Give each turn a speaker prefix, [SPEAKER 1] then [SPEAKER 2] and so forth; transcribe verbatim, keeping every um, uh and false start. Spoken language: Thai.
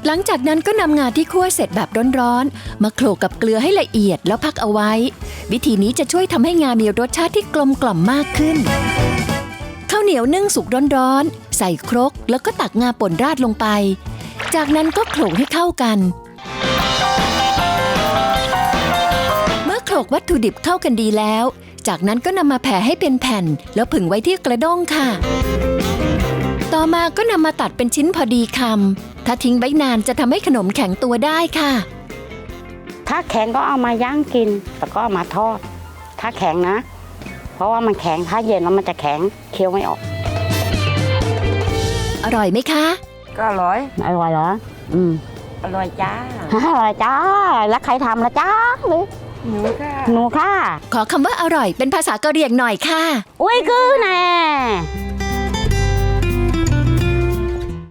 [SPEAKER 1] หลังจากนั้นก็นำงาที่คั่วเสร็จแบบร้อนๆมาโขลกกับเกลือให้ละเอียดแล้วพักเอาไว้วิธีนี้จะช่วยทำให้งามีรสชาติที่กลมกล่อมมากขึ้นข้าวเหนียวนึ่งสุกร้อนๆใส่ครกแล้วก็ตักงาป่นราดลงไปจากนั้นก็โขลกให้เข้ากันเมื่อโขลกวัตถุดิบเข้ากันดีแล้วจากนั้นก็นำมาแผ่ให้เป็นแผ่นแล้วผึ่งไว้ที่กระด้งค่ะต่อมาก็นำมาตัดเป็นชิ้นพอดีคำถ้าทิ้งไว้นานจะทำให้ขนมแข็งตัวได้ค่ะ
[SPEAKER 2] ถ้าแข็งก็เอามาย่างกินแล้วก็เอามาทอดถ้าแข็งนะเพราะว่ามันแข็งถ้าเย็นแล้วมันจะแข็งเคี้ยวไม่ออก
[SPEAKER 1] อร่อยไหมคะ
[SPEAKER 3] ก็อร่อย
[SPEAKER 2] อร่อยเหรออืม
[SPEAKER 3] อร่อยจ้า
[SPEAKER 2] อร่อยจ้าแล้วใครทำละจ้าหรือ
[SPEAKER 3] หนูค่ะ
[SPEAKER 2] หนูค่ะ
[SPEAKER 1] ขอคำว่าอร่อยเป็นภาษากะเหรี่ยงหน่อยค่ะ
[SPEAKER 2] อุ้ยกือแน่